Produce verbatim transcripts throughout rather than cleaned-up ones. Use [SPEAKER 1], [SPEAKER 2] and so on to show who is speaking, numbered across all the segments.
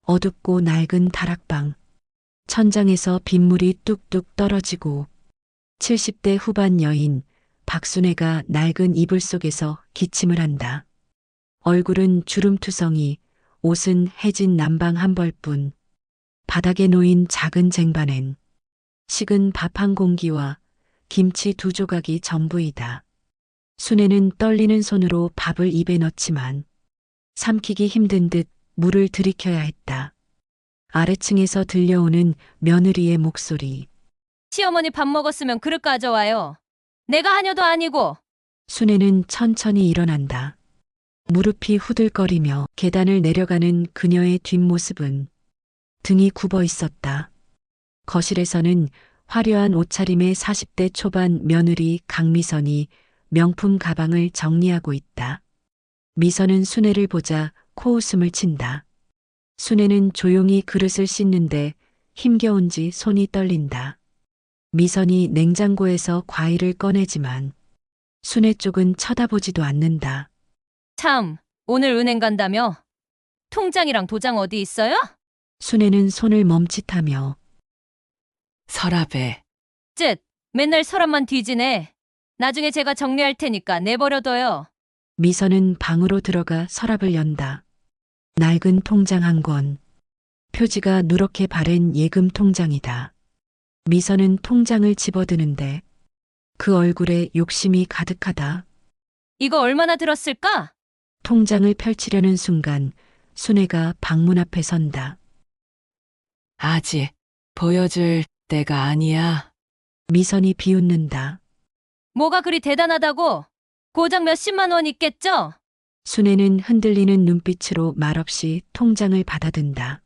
[SPEAKER 1] 어둡고 낡은 다락방. 천장에서 빗물이 뚝뚝 떨어지고 칠십 대 후반 여인 박순애가 낡은 이불 속에서 기침을 한다. 얼굴은 주름투성이, 옷은 해진 남방 한 벌뿐. 바닥에 놓인 작은 쟁반엔 식은 밥 한 공기와 김치 두 조각이 전부이다. 순애는 떨리는 손으로 밥을 입에 넣지만 삼키기 힘든 듯 물을 들이켜야 했다. 아래층에서 들려오는 며느리의 목소리.
[SPEAKER 2] 시어머니 밥 먹었으면 그릇 가져와요. 내가 하녀도 아니고.
[SPEAKER 1] 순애는 천천히 일어난다. 무릎이 후들거리며 계단을 내려가는 그녀의 뒷모습은 등이 굽어 있었다. 거실에서는 화려한 옷차림의 사십 대 초반 며느리 강미선이 명품 가방을 정리하고 있다. 미선은 순애를 보자 코웃음을 친다. 순애는 조용히 그릇을 씻는데 힘겨운지 손이 떨린다. 미선이 냉장고에서 과일을 꺼내지만 순애 쪽은 쳐다보지도 않는다.
[SPEAKER 2] 참, 오늘 은행 간다며? 통장이랑 도장 어디 있어요?
[SPEAKER 1] 순애는 손을 멈칫하며
[SPEAKER 3] 서랍에.
[SPEAKER 2] 쯧, 맨날 서랍만 뒤지네. 나중에 제가 정리할 테니까 내버려둬요.
[SPEAKER 1] 미선은 방으로 들어가 서랍을 연다. 낡은 통장 한 권. 표지가 누렇게 바랜 예금 통장이다. 미선은 통장을 집어드는데 그 얼굴에 욕심이 가득하다.
[SPEAKER 2] 이거 얼마나 들었을까?
[SPEAKER 1] 통장을 펼치려는 순간 순애가 방문 앞에 선다.
[SPEAKER 3] 아직 보여줄 때가 아니야.
[SPEAKER 1] 미선이 비웃는다.
[SPEAKER 2] 뭐가 그리 대단하다고? 고작 몇십만 원 있겠죠?
[SPEAKER 1] 순애는 흔들리는 눈빛으로 말없이 통장을 받아든다.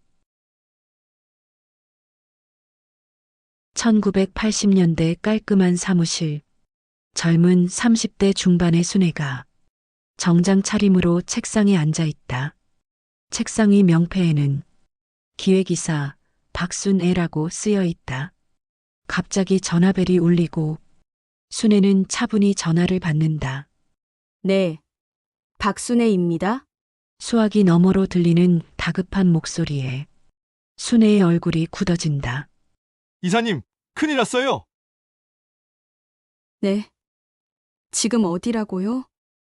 [SPEAKER 1] 천구백팔십 년대 깔끔한 사무실. 젊은 삼십 대 중반의 순애가 정장 차림으로 책상에 앉아 있다. 책상 위 명패에는 기획이사 박순애라고 쓰여 있다. 갑자기 전화벨이 울리고 순애는 차분히 전화를 받는다.
[SPEAKER 4] 네, 박순애입니다.
[SPEAKER 1] 수화기 너머로 들리는 다급한 목소리에 순애의 얼굴이 굳어진다.
[SPEAKER 5] 이사님, 큰일 났어요.
[SPEAKER 4] 네. 지금 어디라고요?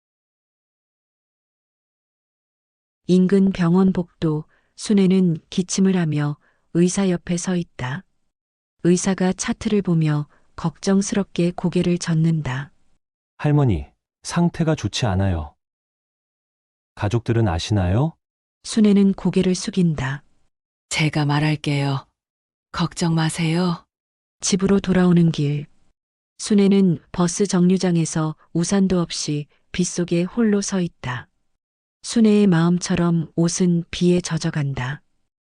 [SPEAKER 1] 인근 병원 복도. 순애는 기침을 하며 의사 옆에 서 있다. 의사가 차트를 보며 걱정스럽게 고개를 젓는다.
[SPEAKER 6] 할머니, 상태가 좋지 않아요. 가족들은 아시나요?
[SPEAKER 1] 순애는 고개를 숙인다.
[SPEAKER 3] 제가 말할게요. 걱정 마세요.
[SPEAKER 1] 집으로 돌아오는 길. 순애는 버스 정류장에서 우산도 없이 빗속에 홀로 서 있다. 순애의 마음처럼 옷은 비에 젖어간다.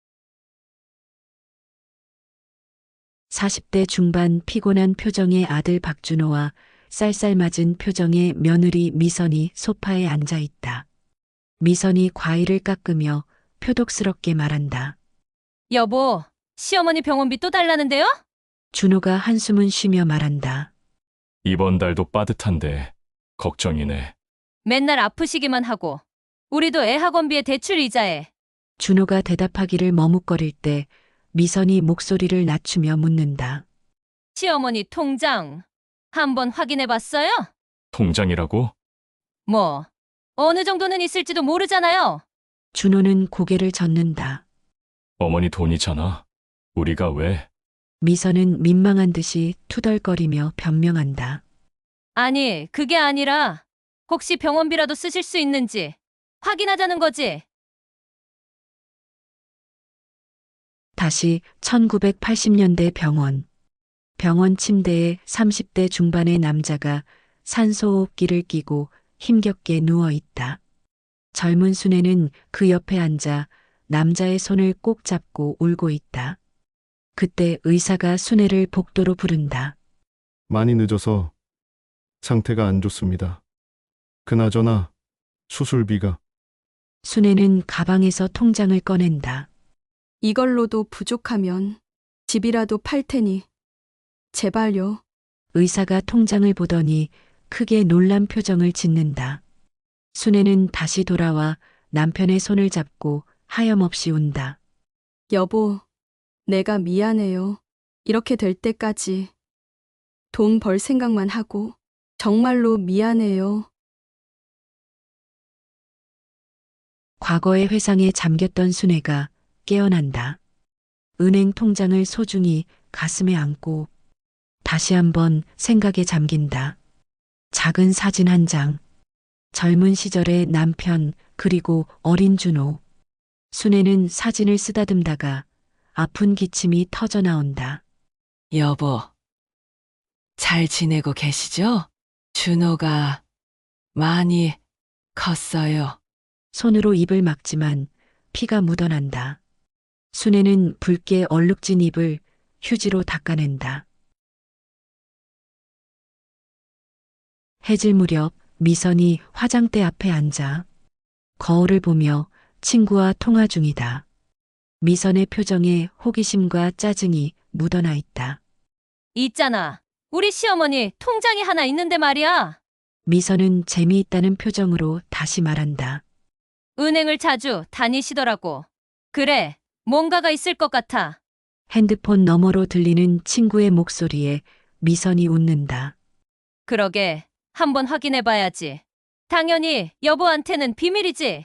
[SPEAKER 1] 사십 대 중반 피곤한 표정의 아들 박준호와 쌀쌀맞은 표정의 며느리 미선이 소파에 앉아 있다. 미선이 과일을 깎으며 표독스럽게 말한다.
[SPEAKER 2] 여보, 시어머니 병원비 또 달라는데요?
[SPEAKER 1] 준호가 한숨은 쉬며 말한다.
[SPEAKER 7] 이번 달도 빠듯한데 걱정이네.
[SPEAKER 2] 맨날 아프시기만 하고. 우리도 애 학원비에 대출 이자에.
[SPEAKER 1] 준호가 대답하기를 머뭇거릴 때 미선이 목소리를 낮추며 묻는다.
[SPEAKER 2] 시어머니 통장 한번 확인해 봤어요?
[SPEAKER 7] 통장이라고?
[SPEAKER 2] 뭐, 어느 정도는 있을지도 모르잖아요.
[SPEAKER 1] 준호는 고개를 젓는다.
[SPEAKER 7] 어머니 돈이잖아. 우리가 왜?
[SPEAKER 1] 미선은 민망한 듯이 투덜거리며 변명한다.
[SPEAKER 2] 아니, 그게 아니라 혹시 병원비라도 쓰실 수 있는지 확인하자는 거지.
[SPEAKER 1] 다시 천구백팔십 년대 병원. 병원 침대에 삼십 대 중반의 남자가 산소호흡기를 끼고 힘겹게 누워 있다. 젊은 순애는 그 옆에 앉아 남자의 손을 꼭 잡고 울고 있다. 그때 의사가 순애를 복도로 부른다.
[SPEAKER 5] 많이 늦어서 상태가 안 좋습니다. 그나저나 수술비가.
[SPEAKER 1] 순애는 가방에서 통장을 꺼낸다.
[SPEAKER 4] 이걸로도 부족하면 집이라도 팔 테니 제발요.
[SPEAKER 1] 의사가 통장을 보더니 크게 놀란 표정을 짓는다. 순애는 다시 돌아와 남편의 손을 잡고 하염없이 운다.
[SPEAKER 4] 여보, 내가 미안해요. 이렇게 될 때까지 돈 벌 생각만 하고 정말로 미안해요.
[SPEAKER 1] 과거의 회상에 잠겼던 순애가 깨어난다. 은행 통장을 소중히 가슴에 안고 다시 한번 생각에 잠긴다. 작은 사진 한 장, 젊은 시절의 남편 그리고 어린 준호. 순애는 사진을 쓰다듬다가 아픈 기침이 터져 나온다.
[SPEAKER 3] 여보, 잘 지내고 계시죠? 준호가 많이 컸어요.
[SPEAKER 1] 손으로 입을 막지만 피가 묻어난다. 순애는 붉게 얼룩진 입을 휴지로 닦아낸다. 해질 무렵 미선이 화장대 앞에 앉아 거울을 보며 친구와 통화 중이다. 미선의 표정에 호기심과 짜증이 묻어나 있다.
[SPEAKER 2] 있잖아. 우리 시어머니 통장이 하나 있는데 말이야.
[SPEAKER 1] 미선은 재미있다는 표정으로 다시 말한다.
[SPEAKER 2] 은행을 자주 다니시더라고. 그래, 뭔가가 있을 것 같아.
[SPEAKER 1] 핸드폰 너머로 들리는 친구의 목소리에 미선이 웃는다.
[SPEAKER 2] 그러게, 한번 확인해 봐야지. 당연히 여보한테는 비밀이지.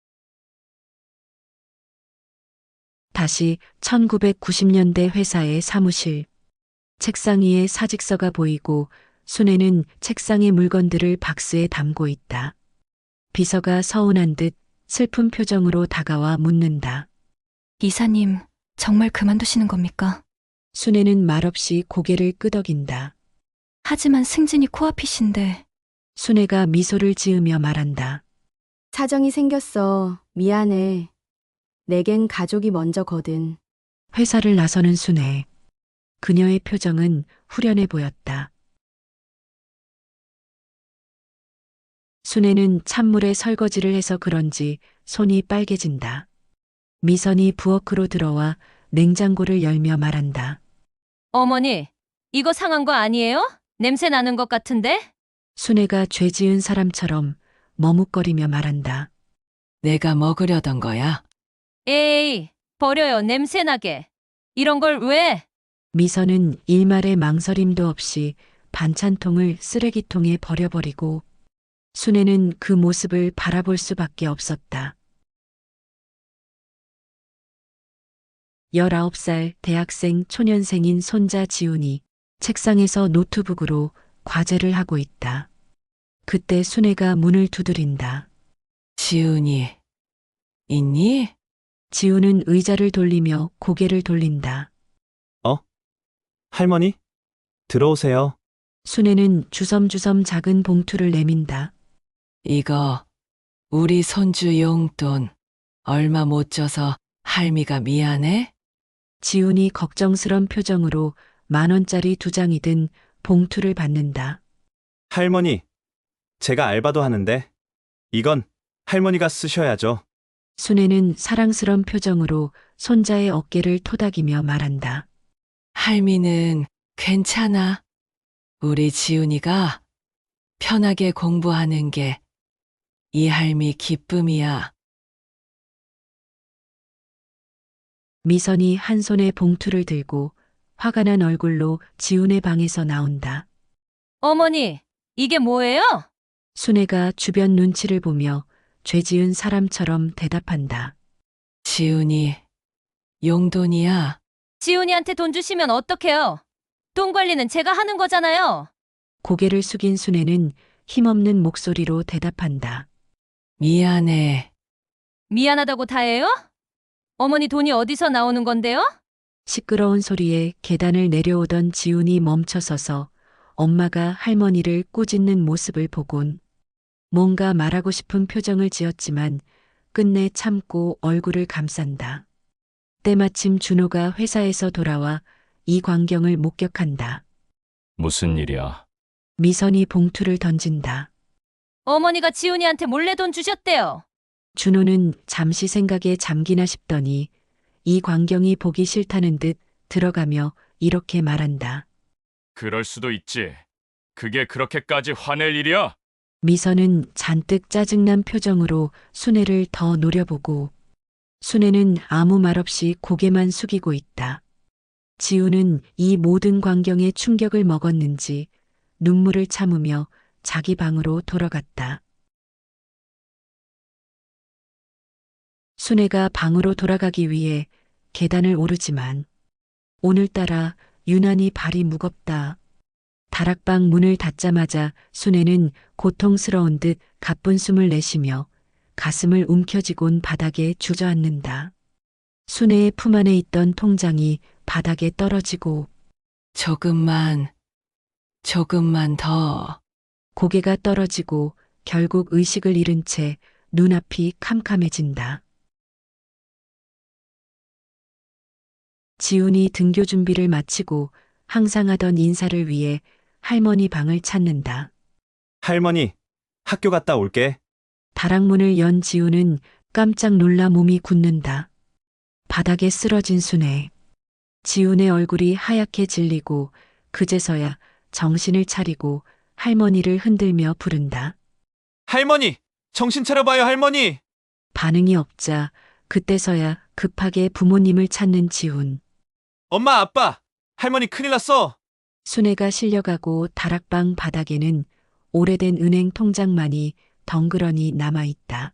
[SPEAKER 1] 다시 천구백구십 년대 회사의 사무실. 책상 위에 사직서가 보이고 순애는 책상의 물건들을 박스에 담고 있다. 비서가 서운한 듯 슬픈 표정으로 다가와 묻는다.
[SPEAKER 8] 이사님, 정말 그만두시는 겁니까?
[SPEAKER 1] 순애는 말없이 고개를 끄덕인다.
[SPEAKER 8] 하지만 승진이 코앞이신데.
[SPEAKER 1] 순애가 미소를 지으며 말한다.
[SPEAKER 4] 사정이 생겼어. 미안해. 내겐 가족이 먼저거든.
[SPEAKER 1] 회사를 나서는 순애. 그녀의 표정은 후련해 보였다. 순애는 찬물에 설거지를 해서 그런지 손이 빨개진다. 미선이 부엌으로 들어와 냉장고를 열며 말한다.
[SPEAKER 2] 어머니, 이거 상한 거 아니에요? 냄새 나는 것 같은데?
[SPEAKER 1] 순애가 죄 지은 사람처럼 머뭇거리며 말한다.
[SPEAKER 3] 내가 먹으려던 거야.
[SPEAKER 2] 에이, 버려요, 냄새 나게. 이런 걸 왜?
[SPEAKER 1] 미선은 일말의 망설임도 없이 반찬통을 쓰레기통에 버려버리고 순애는 그 모습을 바라볼 수밖에 없었다. 열아홉 살 대학생 초년생인 손자 지훈이 책상에서 노트북으로 과제를 하고 있다. 그때 순애가 문을 두드린다.
[SPEAKER 3] 지훈이 있니?
[SPEAKER 1] 지훈은 의자를 돌리며 고개를 돌린다.
[SPEAKER 6] 할머니? 들어오세요.
[SPEAKER 1] 순애는 주섬주섬 작은 봉투를 내민다.
[SPEAKER 3] 이거 우리 손주 용돈 얼마 못 줘서 할미가 미안해?
[SPEAKER 1] 지훈이 걱정스런 표정으로 만 원짜리 두 장이 든 봉투를 받는다.
[SPEAKER 9] 할머니, 제가 알바도 하는데 이건 할머니가 쓰셔야죠.
[SPEAKER 1] 순애는 사랑스런 표정으로 손자의 어깨를 토닥이며 말한다.
[SPEAKER 3] 할미는 괜찮아. 우리 지훈이가 편하게 공부하는 게 이 할미 기쁨이야.
[SPEAKER 1] 미선이 한 손에 봉투를 들고 화가 난 얼굴로 지훈의 방에서 나온다.
[SPEAKER 2] 어머니, 이게 뭐예요?
[SPEAKER 1] 순애가 주변 눈치를 보며 죄 지은 사람처럼 대답한다.
[SPEAKER 3] 지훈이 용돈이야.
[SPEAKER 2] 지훈이한테 돈 주시면 어떡해요? 돈 관리는 제가 하는 거잖아요.
[SPEAKER 1] 고개를 숙인 순애는 힘없는 목소리로 대답한다.
[SPEAKER 3] 미안해.
[SPEAKER 2] 미안하다고 다해요? 어머니 돈이 어디서 나오는 건데요?
[SPEAKER 1] 시끄러운 소리에 계단을 내려오던 지훈이 멈춰서서 엄마가 할머니를 꾸짖는 모습을 보곤 뭔가 말하고 싶은 표정을 지었지만 끝내 참고 얼굴을 감싼다. 때마침 준호가 회사에서 돌아와 이 광경을 목격한다.
[SPEAKER 7] 무슨 일이야?
[SPEAKER 1] 미선이 봉투를 던진다.
[SPEAKER 2] 어머니가 지훈이한테 몰래 돈 주셨대요.
[SPEAKER 1] 준호는 잠시 생각에 잠기나 싶더니 이 광경이 보기 싫다는 듯 들어가며 이렇게 말한다.
[SPEAKER 7] 그럴 수도 있지. 그게 그렇게까지 화낼 일이야?
[SPEAKER 1] 미선은 잔뜩 짜증난 표정으로 순애를 더 노려보고 순애는 아무 말 없이 고개만 숙이고 있다. 지우는 이 모든 광경에 충격을 먹었는지 눈물을 참으며 자기 방으로 돌아갔다. 순애가 방으로 돌아가기 위해 계단을 오르지만 오늘따라 유난히 발이 무겁다. 다락방 문을 닫자마자 순애는 고통스러운 듯 가쁜 숨을 내쉬며 가슴을 움켜쥐곤 바닥에 주저앉는다. 순애의 품 안에 있던 통장이 바닥에 떨어지고
[SPEAKER 3] 조금만, 조금만 더.
[SPEAKER 1] 고개가 떨어지고 결국 의식을 잃은 채 눈앞이 캄캄해진다. 지훈이 등교 준비를 마치고 항상 하던 인사를 위해 할머니 방을 찾는다.
[SPEAKER 9] 할머니, 학교 갔다 올게.
[SPEAKER 1] 다락문을 연 지훈은 깜짝 놀라 몸이 굳는다. 바닥에 쓰러진 순애. 지훈의 얼굴이 하얗게 질리고 그제서야 정신을 차리고 할머니를 흔들며 부른다.
[SPEAKER 9] 할머니! 정신 차려봐요, 할머니!
[SPEAKER 1] 반응이 없자 그때서야 급하게 부모님을 찾는 지훈.
[SPEAKER 9] 엄마, 아빠! 할머니 큰일 났어!
[SPEAKER 1] 순애가 실려가고 다락방 바닥에는 오래된 은행 통장만이 덩그러니 남아있다.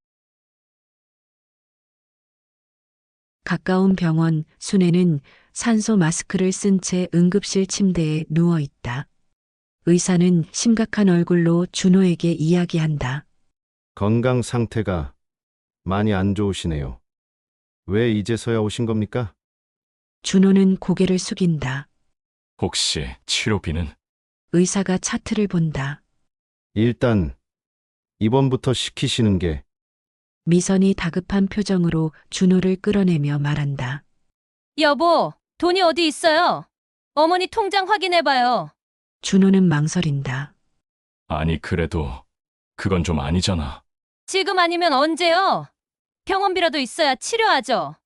[SPEAKER 1] 가까운 병원 순애는 산소 마스크를 쓴 채 응급실 침대에 누워있다. 의사는 심각한 얼굴로 준호에게 이야기한다.
[SPEAKER 5] 건강 상태가 많이 안 좋으시네요. 왜 이제서야 오신 겁니까?
[SPEAKER 1] 준호는 고개를 숙인다.
[SPEAKER 7] 혹시 치료비는?
[SPEAKER 1] 의사가 차트를 본다.
[SPEAKER 5] 일단 입원부터 시키시는 게
[SPEAKER 1] 미선이 다급한 표정으로 준호를 끌어내며 말한다.
[SPEAKER 2] 여보, 돈이 어디 있어요? 어머니 통장 확인해봐요.
[SPEAKER 1] 준호는 망설인다.
[SPEAKER 7] 아니, 그래도 그건 좀 아니잖아.
[SPEAKER 2] 지금 아니면 언제요? 병원비라도 있어야 치료하죠.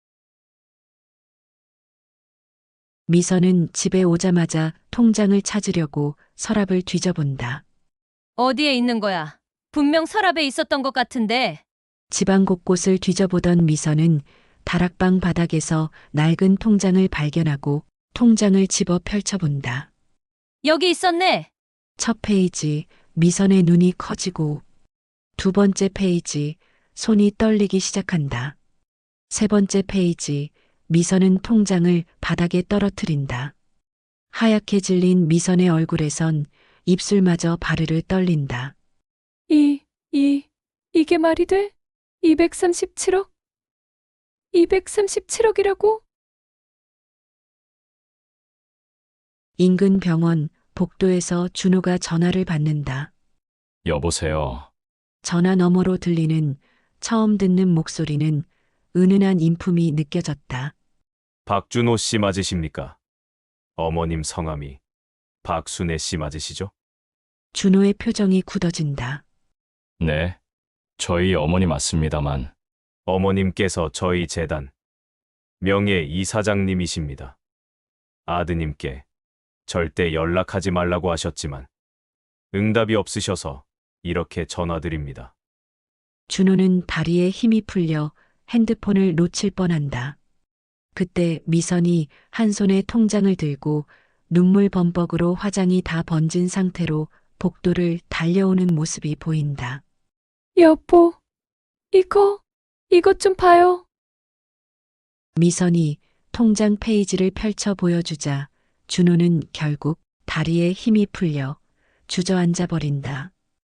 [SPEAKER 1] 미선은 집에 오자마자 통장을 찾으려고 서랍을 뒤져본다.
[SPEAKER 2] 어디에 있는 거야? 분명 서랍에 있었던 것 같은데.
[SPEAKER 1] 집안 곳곳을 뒤져보던 미선은 다락방 바닥에서 낡은 통장을 발견하고 통장을 집어 펼쳐본다.
[SPEAKER 2] 여기 있었네.
[SPEAKER 1] 첫 페이지, 미선의 눈이 커지고 두 번째 페이지, 손이 떨리기 시작한다. 세 번째 페이지, 미선은 통장을 바닥에 떨어뜨린다. 하얗게 질린 미선의 얼굴에선 입술마저 바르르 떨린다.
[SPEAKER 8] 이, 이, 이게 말이 돼? 이백삼십칠억? 이백삼십칠억이라고?
[SPEAKER 1] 인근 병원 복도에서 준호가 전화를 받는다.
[SPEAKER 7] 여보세요.
[SPEAKER 1] 전화 너머로 들리는 처음 듣는 목소리는 은은한 인품이 느껴졌다.
[SPEAKER 10] 박준호 씨 맞으십니까? 어머님 성함이 박순애 씨 맞으시죠?
[SPEAKER 1] 준호의 표정이 굳어진다.
[SPEAKER 7] 네, 저희 어머니 맞습니다만.
[SPEAKER 10] 어머님께서 저희 재단 명예 이사장님이십니다. 아드님께 절대 연락하지 말라고 하셨지만 응답이 없으셔서 이렇게 전화드립니다.
[SPEAKER 1] 준호는 다리에 힘이 풀려 핸드폰을 놓칠 뻔한다. 그때 미선이 한 손에 통장을 들고 눈물 범벅으로 화장이 다 번진 상태로 복도를 달려오는 모습이 보인다.
[SPEAKER 8] 여보, 이거, 이것 좀 봐요.
[SPEAKER 1] 미선이 통장 페이지를 펼쳐 보여주자 준호는 결국 다리에 힘이 풀려 주저앉아 버린다.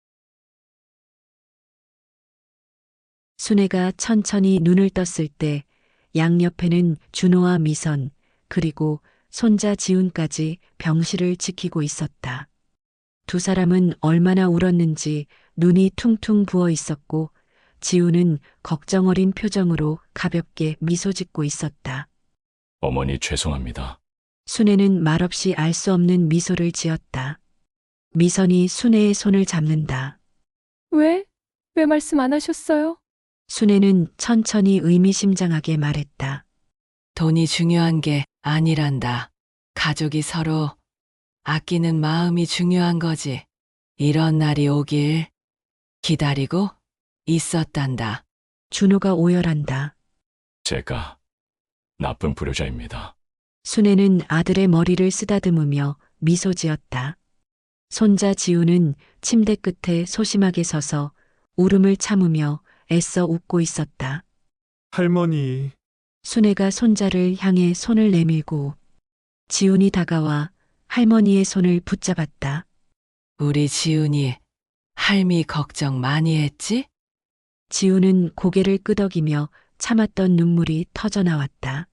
[SPEAKER 1] 순애가 천천히 눈을 떴을 때 양옆에는 준호와 미선 그리고 손자 지훈까지 병실을 지키고 있었다. 두 사람은 얼마나 울었는지 눈이 퉁퉁 부어 있었고 지훈은 걱정 어린 표정으로 가볍게 미소 짓고 있었다.
[SPEAKER 7] 어머니 죄송합니다.
[SPEAKER 1] 순애는 말없이 알 수 없는 미소를 지었다. 미선이 순애의 손을 잡는다.
[SPEAKER 8] 왜? 왜 말씀 안 하셨어요?
[SPEAKER 1] 순애는 천천히 의미심장하게 말했다.
[SPEAKER 3] 돈이 중요한 게 아니란다. 가족이 서로 아끼는 마음이 중요한 거지. 이런 날이 오길 기다리고 있었단다.
[SPEAKER 1] 준호가 오열한다.
[SPEAKER 7] 제가 나쁜 불효자입니다.
[SPEAKER 1] 순애는 아들의 머리를 쓰다듬으며 미소 지었다. 손자 지우는 침대 끝에 소심하게 서서 울음을 참으며 애써 웃고 있었다.
[SPEAKER 9] 할머니.
[SPEAKER 1] 순애가 손자를 향해 손을 내밀고 지훈이 다가와 할머니의 손을 붙잡았다.
[SPEAKER 3] 우리 지훈이 할미 걱정 많이 했지?
[SPEAKER 1] 지훈은 고개를 끄덕이며 참았던 눈물이 터져 나왔다.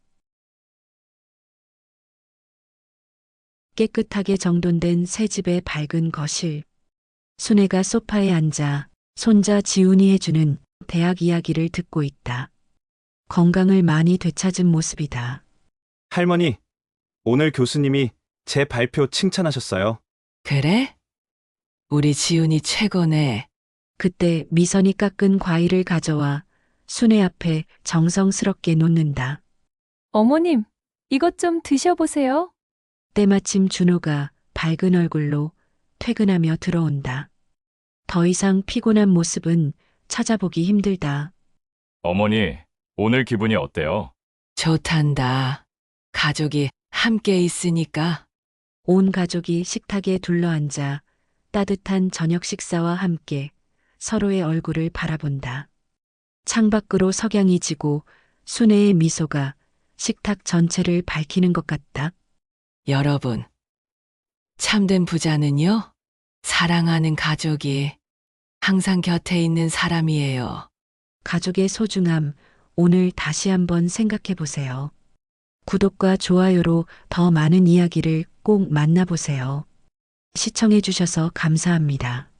[SPEAKER 1] 깨끗하게 정돈된 새 집의 밝은 거실. 순애가 소파에 앉아 손자 지훈이 해주는 대학 이야기를 듣고 있다. 건강을 많이 되찾은 모습이다.
[SPEAKER 9] 할머니, 오늘 교수님이 제 발표 칭찬하셨어요.
[SPEAKER 3] 그래? 우리 지훈이 최고네.
[SPEAKER 1] 그때 미선이 깎은 과일을 가져와 순애 앞에 정성스럽게 놓는다.
[SPEAKER 8] 어머님, 이것 좀 드셔보세요.
[SPEAKER 1] 때마침 준호가 밝은 얼굴로 퇴근하며 들어온다. 더 이상 피곤한 모습은 찾아보기 힘들다.
[SPEAKER 7] 어머니, 오늘 기분이 어때요?
[SPEAKER 3] 좋단다. 가족이 함께 있으니까.
[SPEAKER 1] 온 가족이 식탁에 둘러앉아 따뜻한 저녁 식사와 함께 서로의 얼굴을 바라본다. 창밖으로 석양이 지고 순애의 미소가 식탁 전체를 밝히는 것 같다.
[SPEAKER 3] 여러분, 참된 부자는요, 사랑하는 가족이 항상 곁에 있는 사람이에요.
[SPEAKER 1] 가족의 소중함, 오늘 다시 한번 생각해 보세요. 구독과 좋아요로 더 많은 이야기를 꼭 만나보세요. 시청해 주셔서 감사합니다.